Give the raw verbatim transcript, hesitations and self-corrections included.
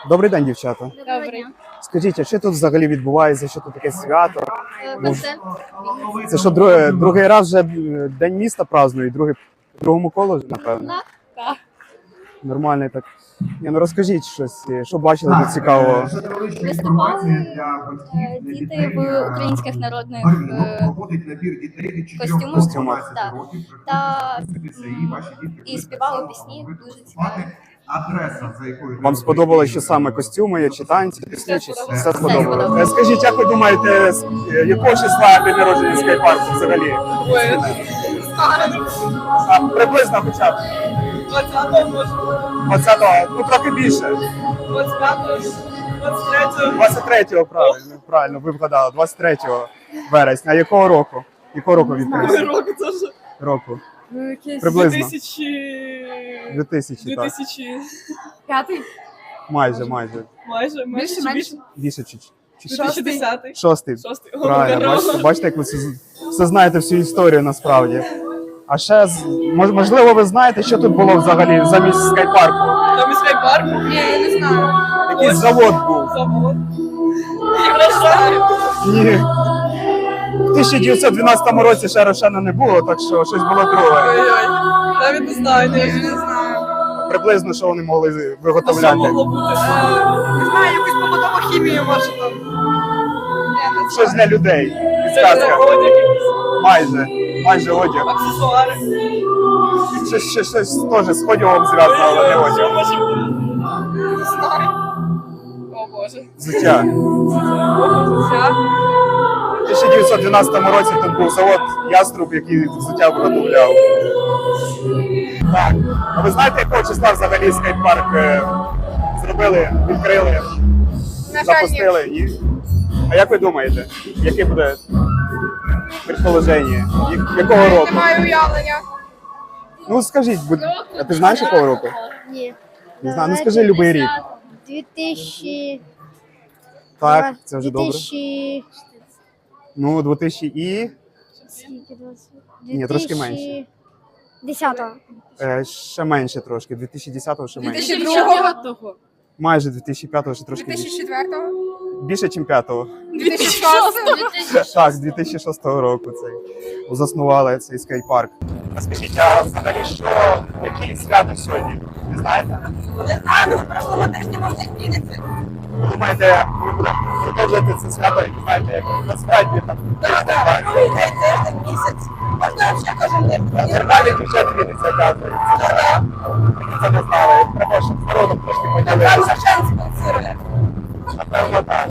Добрий день, дівчата. Добрий. Скажіть, а що тут взагалі відбувається? Що тут таке свято? Е, Концерт. Це що, друге, другий раз вже День міста празднують, другий, в другому колу, напевно? Так. Так. Нормально так. Ні, ну розкажіть щось, що бачили тут цікавого? Виступали е, діти в українських народних е, костюмах. Костюмах. Так. Та і співали пісні, дуже цікаві. Вам сподобалося, що саме костюми є, чи танці, пісні, чи сподобалось. все Все сподобалося? сподобалось. Е, Скажіть, як ви думаєте, з е, якого числа день народження скайпарку взагалі? А, приблизно хоча б. двадцятого може, двадцятого, ну трохи більше. двадцять п'ятого, двадцять третього. двадцять третього, правильно, правильно, ви вгадали, двадцять третього вересня. А якого року? Якого року відкрився? Року теж. Року. Ну, якийсь Приблизно. дві тисячі... дві тисячі, так. дві тисячі П'ятий. Майже, майже. майже, майже, Більше, чи менше? Більше чи, чи дві тисячі десятий. шостий. Шостий. Правильно, Ого, бачите, бачите, як ви все, все знаєте всю історію насправді. А ще, з- мож- можливо, ви знаєте, що тут було взагалі замість скайпарку? Там і скайпарку? Ні, я не знаю. Якийсь завод був. Завод. Я не знаю. Ні. В тисяча дев'ятсот дванадцятому році ще Рошена не було, так що щось було друге. Ой-ой. Навіть не знаю, я вже не знаю. Приблизно, що вони могли А що виготовляти. могло бути? Е, Не знаю, якусь побутову хімію, може там. Я не Щось знаю. для людей. Це Підказка. одяг якийсь. Майже. Майже одяг. Аксесуари. Щось, щось, щось теж з одягом зв'язано, але не одяг. Що може бути? Не знаю. О Боже. Взуття. Взуття. У тисяча дев'ятсот дванадцятому році тут був завод Яструб, який взуття виготовляв. Так. А ви знаєте, якого числа взагалі скейт-парк е, зробили, відкрили, запустили? І... А як ви думаєте, яке буде предположення? Я- Якого року? Немає уявлення. Ну скажіть, будь... а ти знаєш якого року? Ні. Не знаю, ну скажи любий рік. дві тисячі... Так, це вже добре. дві тисячі... Ну, дві тисячі і... Скільки? двадцять? Ні, трошки менше. десятого. Е, ще менше трошки, дві тисячі десятого ще менше. дві тисячі другого. Майже дві тисячі п'ятого ще трошки дві тисячі більше. четвертого. Більше, ніж п'ятого. дві тисячі шостого. Так, з дві тисячі шостого року цей заснували цей скейт-парк. А скажіть, а взагалі що, які свято сьогодні? Не знаєте? Не знаю, прошлого тижня може зміниться. Думаєте, ви будете продовжувати це свято, як знаєте, як насправді там? Так, так, другий день, тиждень, місяць. Можна ще кожен день. Нормальні дівчата віниться, оказується. Це не знали. Треба, щоб з народом трошки Там поділитися. Шевченці спонсорує. Напевно, так.